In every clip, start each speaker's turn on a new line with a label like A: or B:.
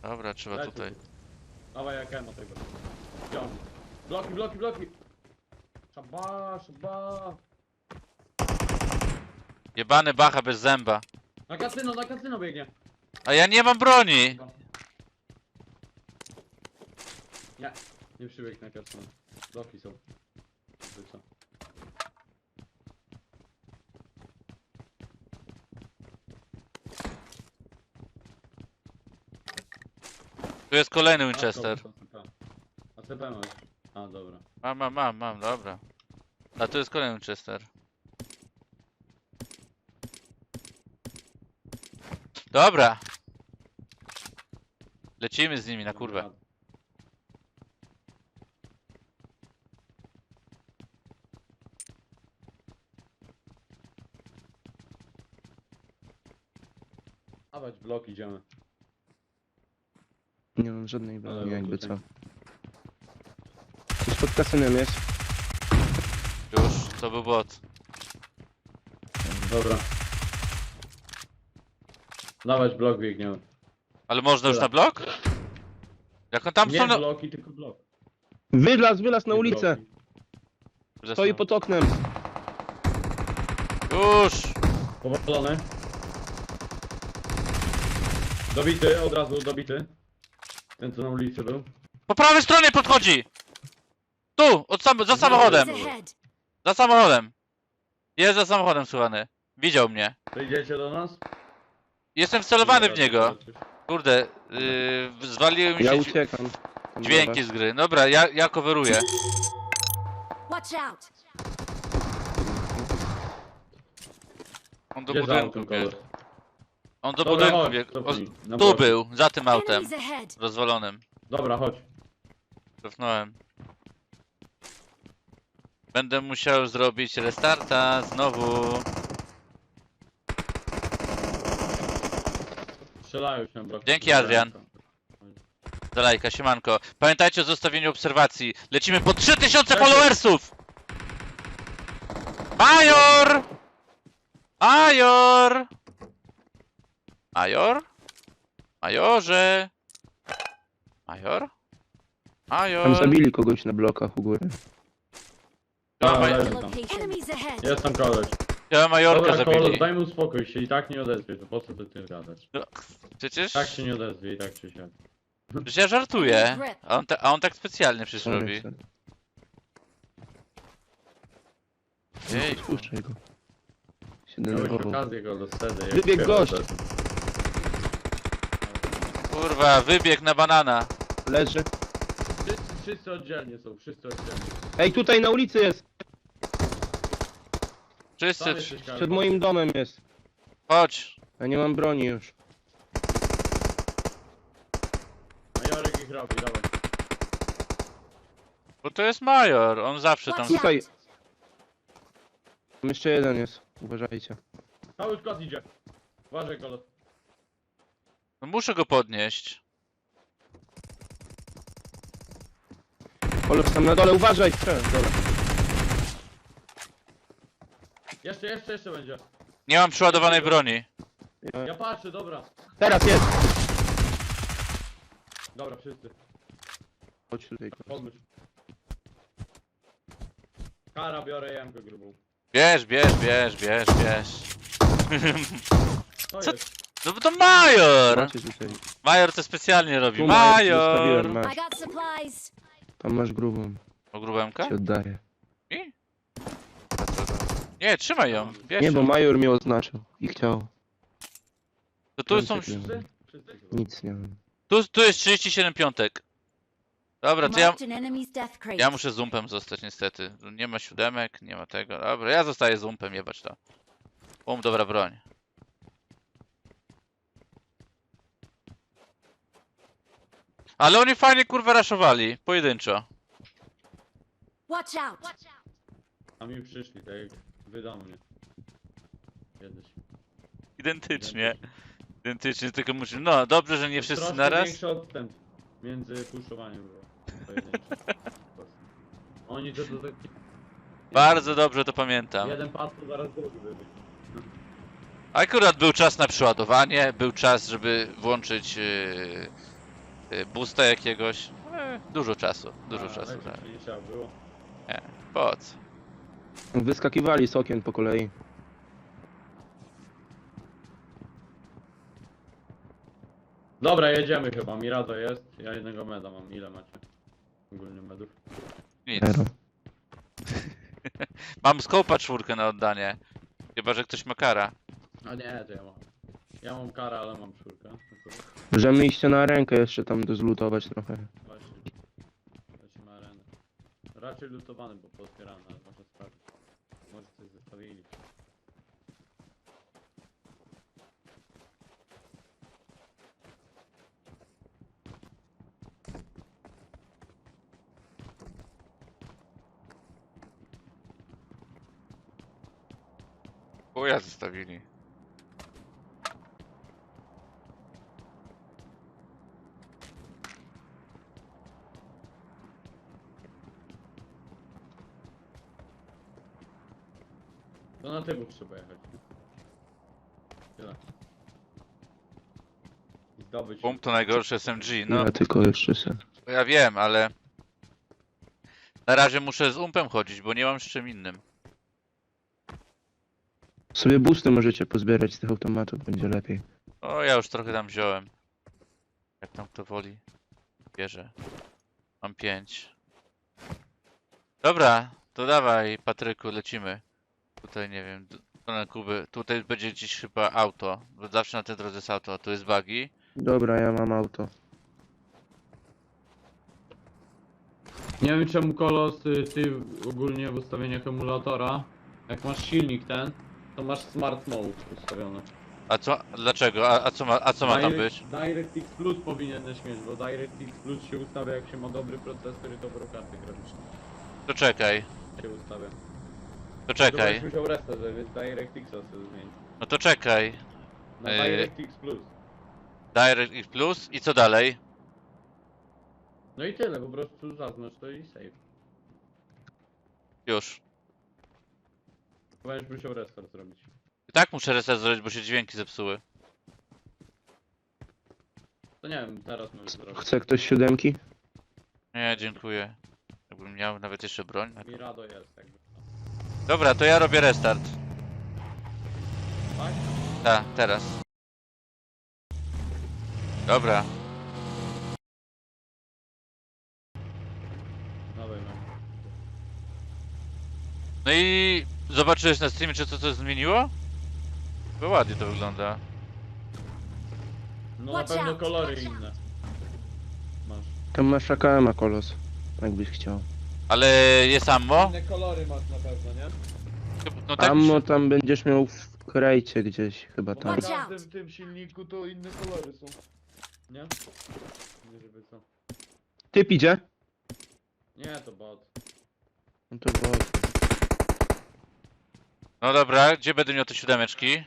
A: Dobra, trzeba
B: Dajcie
A: tutaj.
B: tu. Dawaj jak emo tego. Wziąłem. Bloki, bloki, bloki! Szaba, szaba!
A: Jebany bacha bez zęba.
B: Na kasyno biegnie!
A: A ja nie mam broni!
B: Nie, nie przybiegł na kasyno. Bloki są. Co?
A: Tu jest kolejny Winchester.
B: ACP masz. A, dobra.
A: Mam, dobra. A tu jest kolejny Winchester. Dobra. Lecimy z nimi na kurwę.
B: Dawać blok, idziemy.
C: Nie mam żadnej
B: Ale
C: broni, jakby
B: tutaj.
C: co. Już pod kasynem jest.
A: Już, to był bot.
B: Dobra. Dawać blok, biegniemy.
A: Ale można już
B: Dobra.
A: na blok? Jak on tam
B: Nie
A: są na...
B: bloki, tylko blok.
C: Wylazł na
B: Nie
C: ulicę!
B: bloki.
C: Stoi pod oknem.
A: Już!
B: Powalony. Dobity, od razu dobity. Ten co na ulicy był.
A: Po prawej stronie podchodzi! Tu! Za samochodem!
D: Enemies ahead.
A: Za samochodem! Jest za samochodem, słuchany. Widział mnie.
B: Wyjdziecie do nas?
A: Jestem wcelowany w niego. Kurde, zwaliły mi
C: Ja
A: się
C: uciekam.
A: dźwięki z gry. Dobra, ja coveruję.
D: Watch out.
A: On do
B: Gdzie za
A: budynku
B: autem,
A: biegł.
B: koleś?
A: On do
B: Dobra,
A: budynku
B: chodź,
A: biegł.
B: cofnij, na
A: Tu
B: blok.
A: był, za tym autem.
D: Enemies ahead.
A: Rozwalonym.
B: Dobra, chodź.
A: Cofnąłem. Będę musiał zrobić restarta znowu.
B: Strzelają się na blok.
A: Dzięki, Adrian. Za lajka, siemanko. Pamiętajcie o zostawieniu obserwacji. Lecimy po 3000 followersów! Major! Major! Major? Majorze! Major?
C: Tam
A: Major?
C: zabili kogoś na blokach u góry.
A: Dawaj.
B: Leży tam.
D: Location. Enemies ahead.
B: Jest tam koleś.
A: Ja Majorka
B: Dobra, koleś,
A: zabili.
B: daj mu spokój, się i tak nie odezwie, to po co ty tym gadasz?
A: No, przecież...
B: Tak się nie odezwie i tak się siadł.
A: Przecież ja żartuję. A on tak specjalnie przecież robi. Jej.
C: Puszczaj go. Się
B: Miałeś
C: denerwował.
B: okazję go do sceny. jak
C: Wybiegł gość.
B: odezwie.
A: Kurwa, wybieg na banana.
C: Leży.
B: Wszyscy oddzielnie są, wszyscy oddzielnie.
C: Ej, tutaj na ulicy jest!
A: Wszyscy,
B: Tam jesteś, Karol.
C: Przed moim domem jest.
A: chodź.
C: Ja nie mam broni już.
B: Majorek ich robi, dawaj.
A: Bo to jest Major, on zawsze tam...
D: Watch out.
C: Tutaj. Tam jeszcze jeden jest. Uważajcie.
B: Cały skład idzie. Uważaj, kolos.
A: No muszę go podnieść.
C: Kolos tam na dole, uważaj! Dobra.
B: Jeszcze będzie.
A: Nie mam przeładowanej broni.
B: Ja patrzę, dobra.
C: Teraz jest!
B: Dobra, wszyscy.
C: Chodź tutaj.
B: Podmyć. Kara, biorę jamkę grubą.
A: Bierz.
B: Co
A: Co?
B: jest?
A: No bo to Major!
C: Macie tutaj.
A: Major to specjalnie robi.
C: Tu
A: Major!
C: zostawiłem,
D: I
C: masz.
D: got supplies.
C: Tam masz grubą.
A: O grubemka?
C: Ci oddaję.
A: I? Nie, trzymaj ją. Bierz
C: Nie, bo
A: ją.
C: major mnie oznaczył i chciał.
A: To tu są...
B: Wszyscy? Wszyscy.
C: Nic nie mam.
A: Tu jest 37 piątek. Dobra, to ja...
D: Marked an enemy's death crate.
A: Ja muszę zumpem zostać niestety. Nie ma siódemek, nie ma tego. Dobra, ja zostaję zumpem, jebać to. Dobra broń. Ale oni fajnie kurwa raszowali. Pojedynczo.
D: Watch out.
B: A mi przyszli, tak jak wy do mnie. Kiedyś.
A: Identycznie. Identycznie, tylko musimy... No, dobrze, że nie wszyscy
B: Troszkę
A: naraz.
B: większy odstęp między puszowaniem było. Pojedynczy. Oni to tak...
A: Bardzo dobrze to pamiętam.
B: Jeden padł, to zaraz drugi wybiegł.
A: Akurat był czas na przeładowanie, był czas, żeby włączyć boosta jakiegoś. Dużo czasu, dużo
B: A,
A: czasu.
B: lecieć
A: Tak.
B: nie trzeba było.
A: Po co?
C: Wyskakiwali z okien po kolei.
B: Dobra, jedziemy chyba. Mirado jest. Ja jednego meda mam. Ile macie? Ogólnie medów.
A: Nic.
C: Zero.
A: Mam skopa 4 na oddanie. Chyba, że ktoś ma kara.
B: A nie, to ja mam. Ja mam karę, ale mam czwórkę. Akurat.
C: Możemy iść na rękę jeszcze tam dozlutować trochę.
B: Właśnie. Lecimy arenę. Raczej lutowany, bo pootwierany, ale można sprawdzić. Może coś zostawili.
A: Chuja zostawili.
B: To na tyłu trzeba jechać. Tyle. I zdobyć.
A: Pump to najgorszy SMG, no.
C: Ja tylko jeszcze se.
A: Ja wiem, ale... Na razie muszę z umpem chodzić, bo nie mam z czym innym.
C: Sobie boosty możecie pozbierać z tych automatów, będzie lepiej.
A: O, ja już trochę tam wziąłem. Jak tam kto woli. Bierze. Mam 5. Dobra, to dawaj Patryku, lecimy. Tutaj nie wiem, do na Kuby. Tutaj będzie gdzieś chyba auto. Bo zawsze na tej drodze jest auto. Tu jest buggy.
C: Dobra, ja mam auto.
B: Nie wiem czemu Kolos, ty ogólnie w ustawieniach emulatora, jak masz silnik ten, to masz smart mode ustawiony.
A: A co? Dlaczego? A co ma tam być?
B: DirectX Plus powinieneś mieć, bo DirectX Plus się ustawia jak się ma dobry procesor i dobrą kartę graficzną.
A: To czekaj.
B: Się ustawia.
A: To czekaj.
B: Chyba musiał restart, więc DirectXa sobie zmienić.
A: No to czekaj.
B: Na DirectX Plus.
A: DirectX Plus i co dalej?
B: No i tyle, po prostu zaznacz to i save.
A: Już.
B: Będziesz musiał restart zrobić.
A: I tak muszę reset zrobić, bo się dźwięki zepsuły.
B: To nie wiem, teraz możesz zrobić.
C: Chce ktoś siódemki?
A: Nie, dziękuję. Jakbym miał nawet jeszcze broń.
B: Mirado jest jakby.
A: Dobra, to ja robię restart.
B: Tak?
A: Tak, teraz. Dobra.
B: Dawaj, no.
A: No i zobaczyłeś na streamie, czy to coś zmieniło? Bo ładnie to wygląda.
B: No na
D: Watch
B: pewno
D: out,
B: kolory
D: watch out.
B: inne. Masz.
C: Tam masz AKM-a, Kolos. Jakbyś chciał.
A: Ale jest ammo?
B: Inne kolory masz na pewno, nie?
A: No tak mi
C: Ammo
A: się...
C: tam będziesz miał w krejcie gdzieś, chyba
B: Bo
C: tam.
B: na
D: Watch out.
B: każdym tym silniku to inne kolory są. Nie? Nie żeby co.
C: Typ idzie?
B: Nie, to bot.
C: No to było...
A: No dobra, gdzie będę miał te siódemeczki?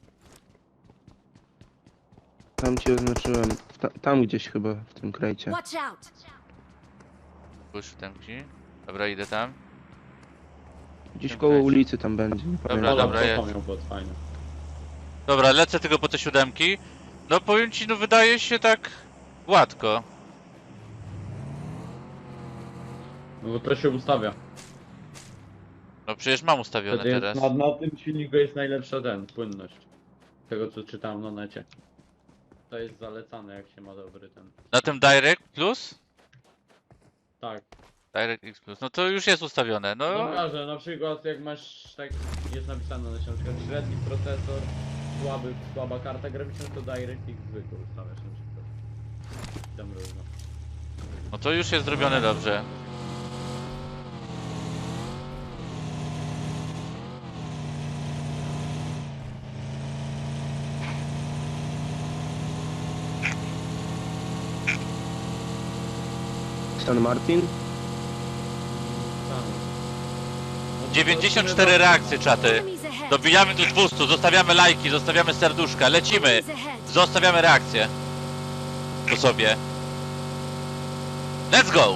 C: Tam ci oznaczyłem. Tam gdzieś chyba, w tym krejcie.
D: Watch out!
A: Były siódemki. Dobra, idę tam.
C: Gdzieś
A: tym
C: koło
A: krejcie.
C: ulicy tam będzie. Nie
A: Dobra,
C: pamiętam.
A: dobra,
B: to
A: jest.
B: miał bot, fajny.
A: Dobra, lecę tylko po te siódemki. No powiem ci, no wydaje się tak gładko.
B: No bo to się ustawia.
A: No przecież mam ustawione
B: Wtedy
A: teraz.
B: na tym silniku jest najlepsza płynność. Tego co czytałem na necie. To jest zalecane jak się ma dobry ten.
A: Na tym Direct Plus?
B: Tak.
A: DirectX Plus. No to już jest ustawione. No
B: No że na przykład jak masz tak jest napisane na przykład średni procesor, słaba karta graficzna, to DirectX zwykły ustawiasz na przykład. Tam różno.
A: no to już jest zrobione dobrze.
C: San Martin?
B: Tam. No,
A: 94 reakcje, czaty.
D: Enemies ahead!
A: Dobijamy do 200, zostawiamy lajki, zostawiamy serduszka, lecimy.
D: Enemies ahead!
A: Zostawiamy reakcję. Po sobie. Let's go!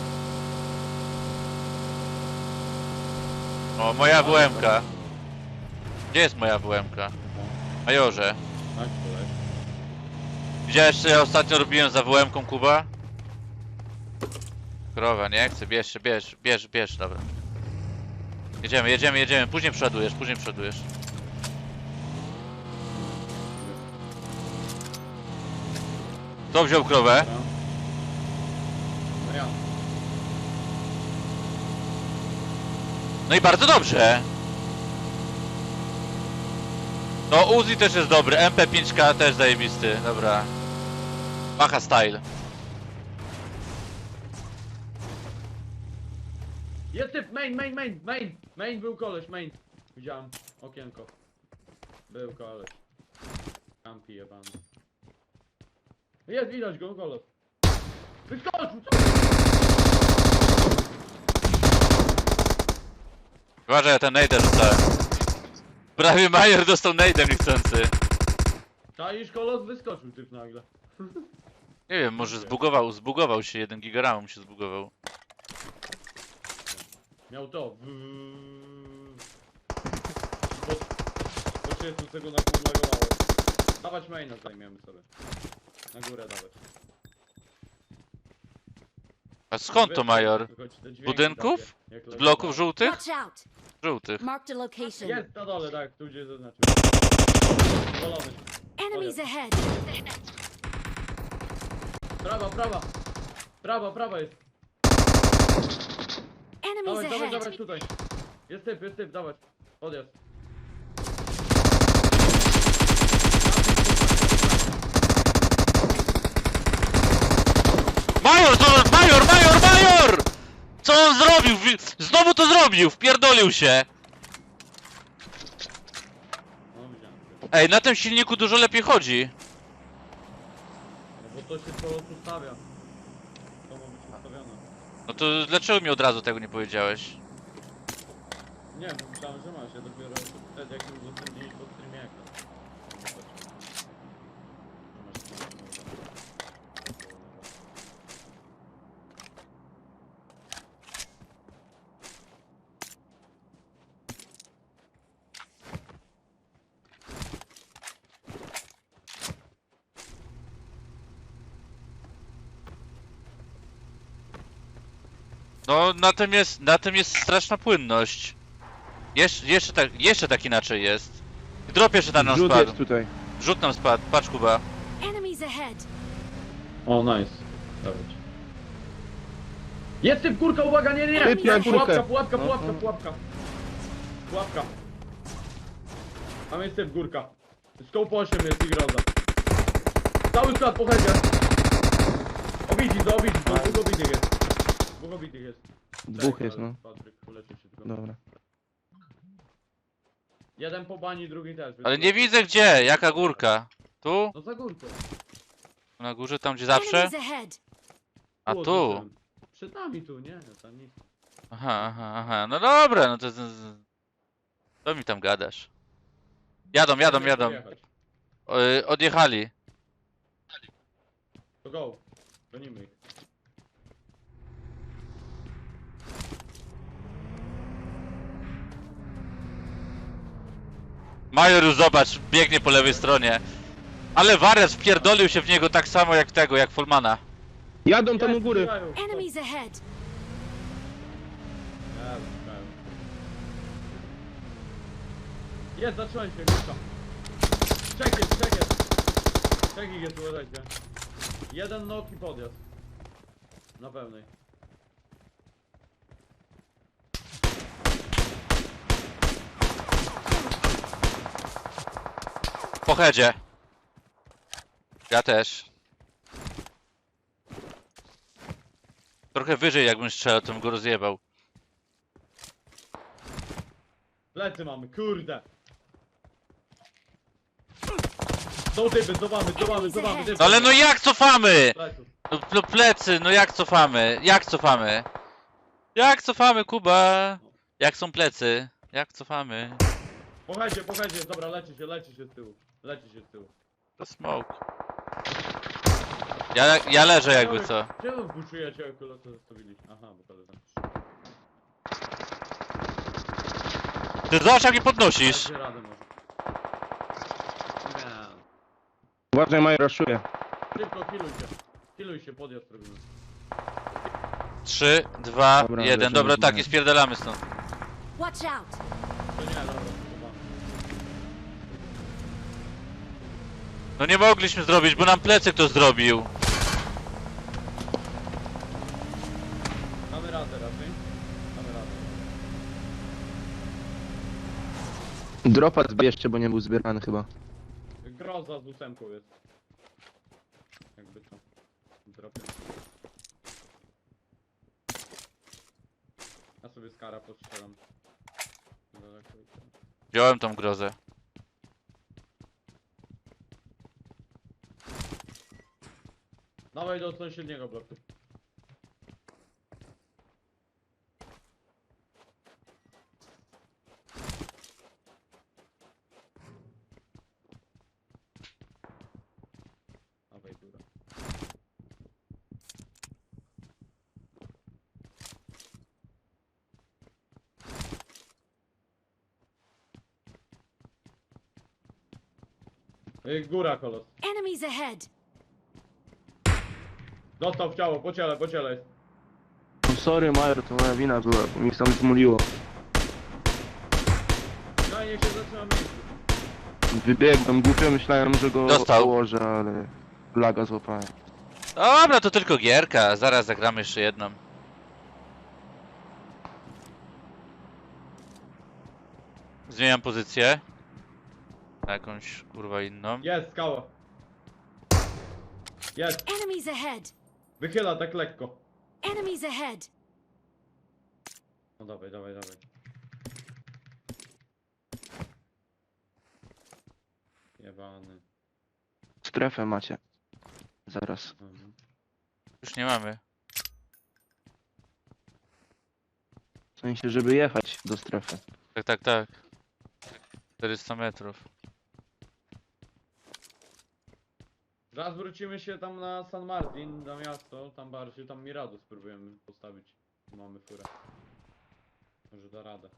A: O, moja WM-ka. Gdzie jest moja WM-ka? Majorze.
B: Tak, kolej.
A: Widziałeś, co ja ostatnio robiłem za WM-ką, Kuba? Krowa, nie chcę, bierz, dobra. Jedziemy, później przodujesz. Kto wziął krowę?
B: Dobra. No ja.
A: No i bardzo dobrze. No Uzi też jest dobry, MP5K też zajebisty, dobra. Macha style.
B: Jest typ, main był koleś, main. Widziałem, okienko. Był koleś. Kampi jebany. Jest, widać go, koleś. Wyskoczył, co?
A: Uważaj, ja ten nade rzucałem. Prawie Major dostał nade'em niechcący.
B: Czaisz, kolos wyskoczył typ nagle.
A: Nie wiem, może zbugował się, 1 giga mu się zbugował.
B: Miał to. Po 30 sekundach podlagowało. Dawać maina zajmiemy sobie. Na górę dawać.
A: A skąd to Major?
B: Tylko ci te dźwięki
A: Budynków?
B: takie, jak
A: Z
B: lecą.
A: bloków żółtych?
D: Watch out.
A: Żółtych.
D: Marked a location.
B: Jest na dole, tak, tu gdzie zaznaczył. Zwolony.
D: Enemies ahead.
B: Prawa jest.
D: Enemies
B: Dawać
D: ahead.
B: tutaj. Jest typ, dawać. Podjazd.
A: Major! Co on zrobił? Znowu to zrobił, wpierdolił się.
B: No widziałem.
A: Ej, na tym silniku dużo lepiej chodzi.
B: No bo to się po prostu stawia. To ma być ustawione.
A: No to dlaczego mi od razu tego nie powiedziałeś?
B: Nie, bo myślałem, że masz. Ja dopiero wtedy jak mi udostępniłeś po streamie ekran.
A: No, na tym jest straszna płynność. Jeszcze tak inaczej jest. Drop jeszcze tam nam
C: Rzut
A: spadł.
C: jest tutaj.
A: Rzut nam spadł, patrz Kuba.
D: Enemies ahead.
B: O, nice. Dawać. Jest typ, kurka, uwaga, nie!
C: Typ na górkę.
B: Pułapka.
C: No.
B: Pułapka. Tam jest typ, górka. Scope 8 jest i groza. Cały skład po headzie. Obici, dwóch obitych jest. Dwóch obitych jest.
C: Dwóch jest, no.
B: Patryk, uleczy się tylko.
C: Dobra.
B: Jeden po bani, drugi też.
A: Ale nie widzę gdzie, jaka górka. Tu?
B: No za górką.
A: Na górze, tam gdzie zawsze?
D: Enemies ahead.
A: A tu?
B: oznaczyłem. Przed nami tu, nie? Tam nic.
A: Aha. No dobra, no to... Co mi tam gadasz? Jadą.
B: Pojechać.
A: Odjechali.
B: To go. Gonimy ich.
A: Major już zobacz, biegnie po lewej stronie. Ale wariat wpierdolił się w niego tak samo jak Folmana.
C: Jadą tam u góry.
D: Enemies ahead.
B: Jest, zacząłem się, górka. Czek jest. Czek ich jest, uważajcie. Jeden nok i podjazd. Na pełnej.
A: Po headzie. Ja też. Trochę wyżej jakbym strzelał, to bym go rozjebał.
B: Plecy mamy, kurde. Są typy, cofamy.
A: No ale no jak cofamy?
B: Pleców.
A: No plecy, no jak cofamy? Jak cofamy, Kuba? Jak są plecy? Jak cofamy?
B: Po headzie, dobra, leci się z tyłu.
A: To smoke. Ja leżę jakby co.
B: Czemu buczujecie, jak to zostawiliście? Aha, bo kolega.
A: Ty zobacz jak je podnosisz.
B: Dacie radę może. Nie.
C: Uważaj, Major raszuje.
B: Szybko, kiluj się, podjazd robimy.
A: 3, 2,
C: Dobra,
A: 1.
C: lecimy
A: Dobra,
C: z
A: tak,
C: mechem.
A: i spierdalamy stąd.
D: Watch out!
B: To nie, dobra, chyba.
A: No nie mogliśmy zrobić, bo nam plecy ktoś zrobił.
B: Damy radę raczej. Damy radę.
C: Dropa zbierzcie, bo nie był zbierany chyba.
B: Groza z ósemką jest. Jakby to. Dropię. Ja sobie skara postrzelam. Daleko i to.
A: Wziąłem tą grozę.
B: Dawaj do sąsiedniego bloku. Dawaj góra. Góra kolos.
D: Enemies ahead!
B: Dostał w ciało, po ciele jest.
C: No sorry Major, to moja wina była, bo mi tam zmuliło.
B: No i niech się zaczyna miejscu.
C: Wybiegłem głupio, myślałem, że go
A: Dostał.
C: położę, ale laga złapałem.
A: Dobra, to tylko gierka. Zaraz zagramy jeszcze jedną. Zmieniam pozycję. Na jakąś kurwa inną.
B: Jest, skała. Jest,
D: Enemies ahead!
B: wychyla tak lekko.
D: Enemies ahead!
B: No dawaj. Jebany.
C: Strefę macie. Zaraz.
B: Mhm.
A: Już nie mamy.
C: W sensie, żeby jechać do strefy.
A: Tak. 400 metrów.
B: Zaraz wrócimy się tam na San Martin, na miasto, tam bardziej, tam Miradus spróbujemy postawić. Mamy furę. Może da radę.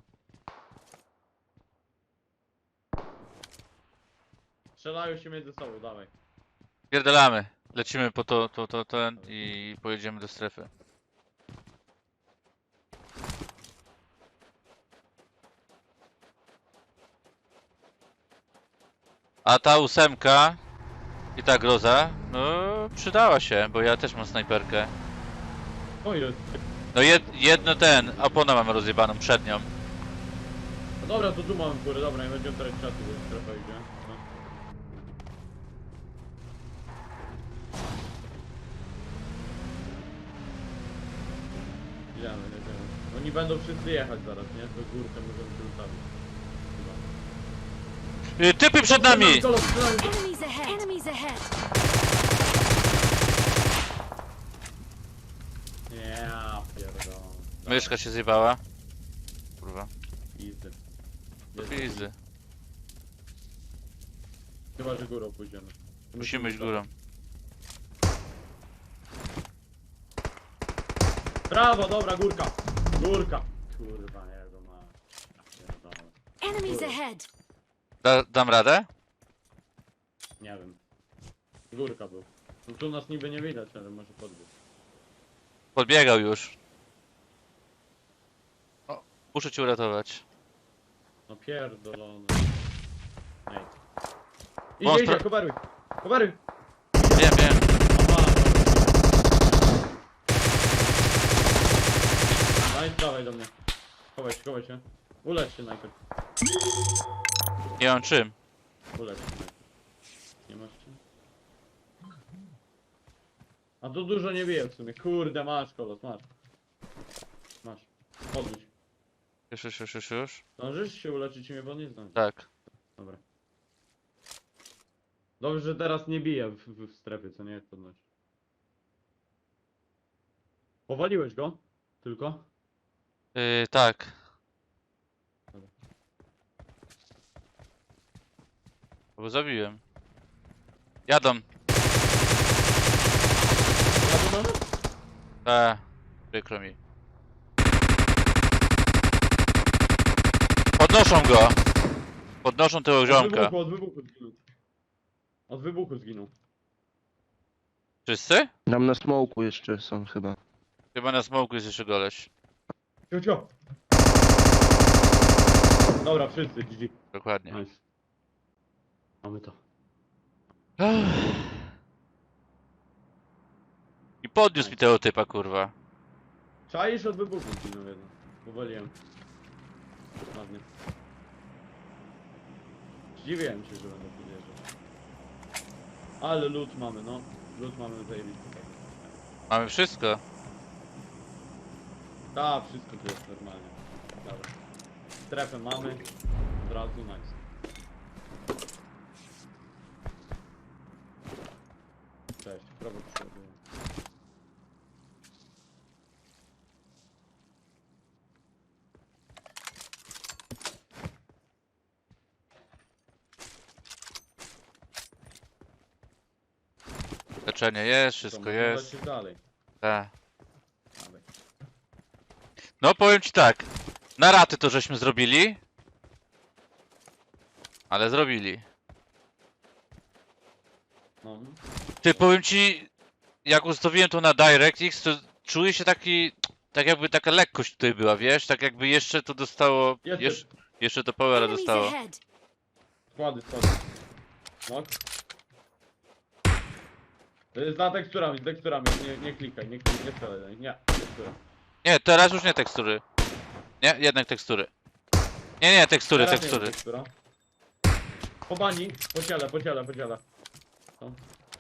B: Strzelają się między sobą, dawaj.
A: Pierdalamy. Lecimy po ten i pojedziemy do strefy. A ta ósemka i ta groza, no przydała się, bo ja też mam snajperkę.
B: O jest.
A: No jedno opona mamy rozjebaną przednią.
B: No dobra, to tu mamy furę, dobra, nie będziemy teraz czasu, bo strefa idzie. No. Idziemy. Oni będą wszyscy jechać zaraz, nie? To górkę możemy się ustawić. Chyba.
A: Typy przed nami!
B: Kolos, przed nami.
D: Enemies ahead! Enemies ahead!
B: Ja pierdolę.
A: Myszka się zjebała. Kurwa.
B: Easy.
A: Easy.
B: Chyba, że górą pójdziemy.
A: Musimy iść górą.
B: Brawo, dobra, górka. Górka. Kurwa, nie, to ma. Pierdolę.
D: Enemies ahead!
A: Dam radę?
B: Nie wiem. Górka był. No tu nas niby nie widać, ale może podbiec.
A: Podbiegał już. O, muszę cię uratować.
B: No pierdolony. Nie.
A: On
B: Idzie, coveruj. Coveruj.
A: Wiem.
B: Aha, dobra. No i dawaj do mnie. Chowaj się. Ulecz się najpierw.
A: Nie mam czym.
B: Ulecz się najpierw. Nie masz czym? A to dużo nie bije w sumie. Kurde, masz kolos, masz. Masz. Podnieś.
A: Już.
B: Zdążysz się uleczyć i mnie podnieść? Zdążysz.
A: Tak.
B: Dobra. Dobrze, że teraz nie bije w strefie, co nie jest podnosi. Powaliłeś go? Tylko?
A: Tak.
B: Dobra.
A: Bo zabiłem. Jadą.
B: Ja tu mamy?
A: Przykro mi. Podnoszą go. Podnoszą tego ziomka.
B: Od wybuchu zginął. Od wybuchu zginął.
A: Wszyscy?
C: Tam na smoku jeszcze są chyba.
A: Chyba na smoku jest jeszcze goleś.
B: Cio. Dobra, wszyscy, GG.
A: Dokładnie.
B: Nice. Mamy to.
A: I podniósł mi tego typa, kurwa.
B: Czaisz od wybuchu zginął jedno. Powoliłem. Ładnie. Zdziwiłem się, że będę podjeżdżał. Ale loot mamy, no. Loot mamy zajebisty.
A: Mamy wszystko.
B: Tak, wszystko tu jest normalnie. Dobra. Strefę mamy. Od razu nice. Cześć, prawo przodu.
A: Leczenie jest,
B: To
A: wszystko
B: można
A: jest.
B: lecieć dalej.
A: Tak.
B: Dawaj.
A: No powiem ci tak. Na raty to żeśmy zrobili. Ale zrobili.
B: No.
A: Ty, powiem ci, jak ustawiłem to na DirectX, to czuję się taki, tak jakby taka lekkość tutaj była, wiesz? Tak jakby jeszcze to dostało,
B: Jest
A: jeszcze to powera
D: Enemies
A: dostało.
D: ahead.
B: składy. No. Za teksturami, nie klikaj, nie strzelaj do nich, nie, tekstura.
A: Nie, teraz już nie tekstury. Nie, jednak tekstury. Nie, tekstury,
B: Teraz nie
A: tekstury.
B: ma tekstura. Po bani, po ciele. No.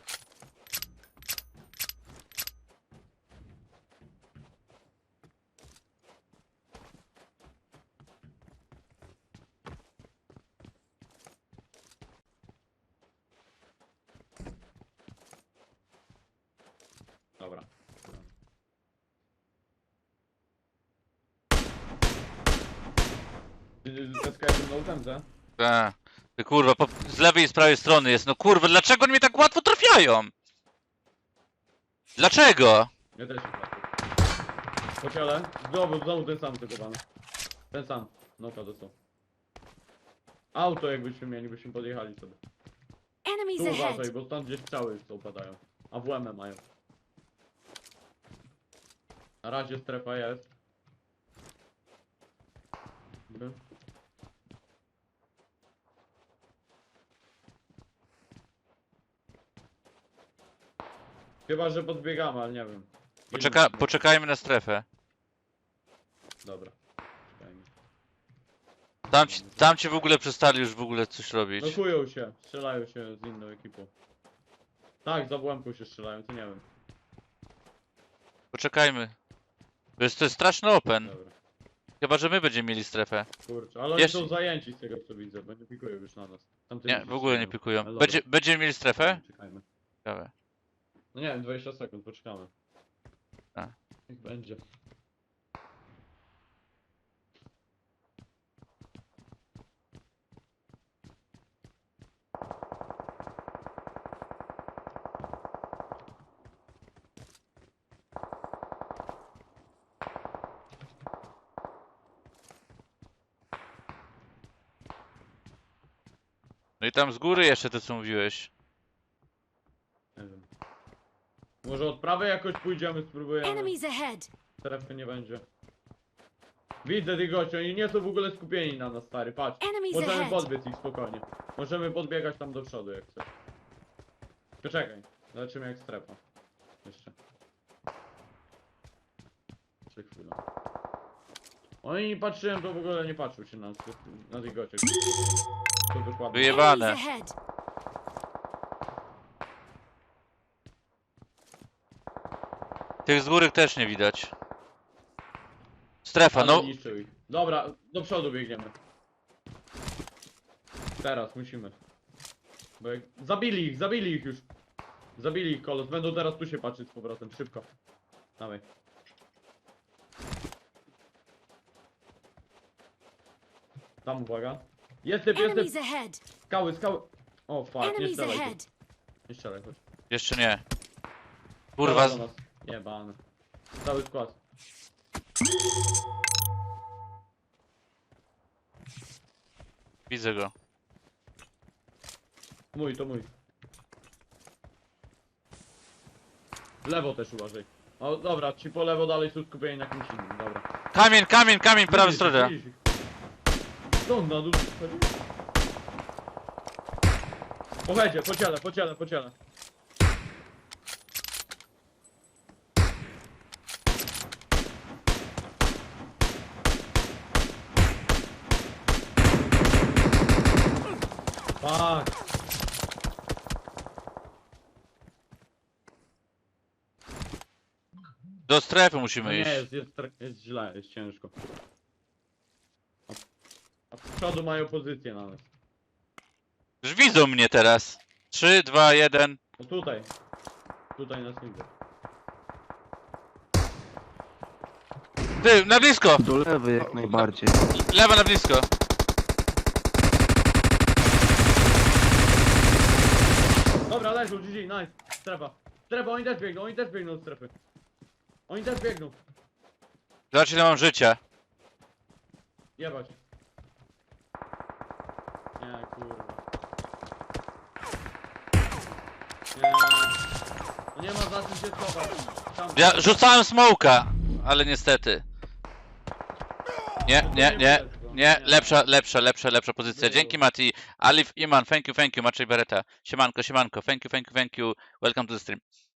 B: Dobra. Zaskakałem na utędze.
A: Tak. Ty kurwa, z lewej i z prawej strony jest. No kurwa, dlaczego oni mnie tak łatwo trafiają? Dlaczego?
B: Ja też się trafię. Po ciele. Znowu ten sam zagowany. Ten sam. Noka dostał. Auto jakbyśmy mieli, byśmy podjechali sobie.
D: Enemies
B: Tu
D: ahead.
B: uważaj, bo stąd gdzieś strzały upadają. A WM mają. Na razie strefa jest. Dobra. Chyba, że podbiegamy, ale nie wiem.
A: Poczekajmy na strefę.
B: Dobra. Czekajmy.
A: Tam ci w ogóle przestali już w ogóle coś robić.
B: Blokują się, strzelają się z inną ekipą. Tak, za błęką się strzelają, to nie wiem.
A: Poczekajmy. To jest straszny open.
B: Dobra.
A: Chyba, że my będziemy mieli strefę.
B: Kurczę, ale oni
A: Jeszcze-
B: są zajęci z tego co widzę, bo nie pikują już na nas. Tamtymi
A: Nie,
B: się
A: w ogóle nie
B: strzelają.
A: pikują.
B: Ale dobra.
A: Będziemy mieli strefę?
B: Czekajmy.
A: Ciekawe.
B: No nie wiem, 20 sekund, poczekamy.
A: A.
B: Niech będzie.
A: No i tam z góry jeszcze to co mówiłeś.
B: Nie wiem. Może od prawej jakoś pójdziemy, spróbujemy.
D: Enemies ahead.
B: Strefy nie będzie. Widzę tych gości, oni nie są w ogóle skupieni na nas, stary, patrz.
D: Enemies
B: Możemy
D: ahead.
B: podbiec ich spokojnie. Możemy podbiegać tam do przodu jak chcesz. Poczekaj, zobaczymy jak strefa. Jeszcze. Jeszcze chwilę. Oni patrzyłem, to w ogóle nie patrzył się na tych gościach. To dokładnie.
A: Wyjebane.
D: Enemies ahead.
A: Tych z góry też nie widać. Strefa,
B: Ale
A: no.
B: niszczył ich. Dobra, do przodu biegniemy. Teraz musimy. Bo jak... Zabili ich już. Zabili ich kolos. Będą teraz tu się patrzeć z powrotem. Szybko. Dawaj. Tam uwaga. Jest typ, jest
D: Enemies
B: typ.
D: ahead.
B: Skały. O fuck, nie
D: Enemies
B: strzelaj tu.
D: ahead.
B: Nie strzelaj, chodź.
A: Jeszcze nie. Kurwa,
B: Do nas. Jebane. Cały skład.
A: widzę go.
B: Mój, to mój. Lewo też uważaj. O, dobra, ci po lewo dalej są skupieni na kimś innym, dobra.
A: Kamień, kamień, kamień, prawa
B: Widzisz ich,
A: strona.
B: widzisz ich. Co on na dół schodzi? Pojedzie, po ciele. Fuck.
A: Do strefy
B: No
A: musimy
B: nie,
A: iść.
B: jest źle, jest ciężko. A z przodu mają pozycję na nas.
A: Już widzą mnie teraz. 3, 2, 1.
B: No tutaj. Tutaj nas nie widzą.
A: Ty, na blisko!
C: Do lewej jak najbardziej.
A: Lewa na blisko.
B: Dobra, leżą, GG, nice. Strefa. Strefa, oni też biegną od strefy. Oni też biegną.
A: Zobacz ile mam życia.
B: Jebać. Nie, kurwa. Nie. No nie ma za czym się schować. Tam.
A: Ja rzucałem smoka, ale niestety. Nie, lepsza pozycja. Dzięki Mati. Alif Iman, thank you, Maciej Beretta. Siemanko, thank you. Welcome to the stream.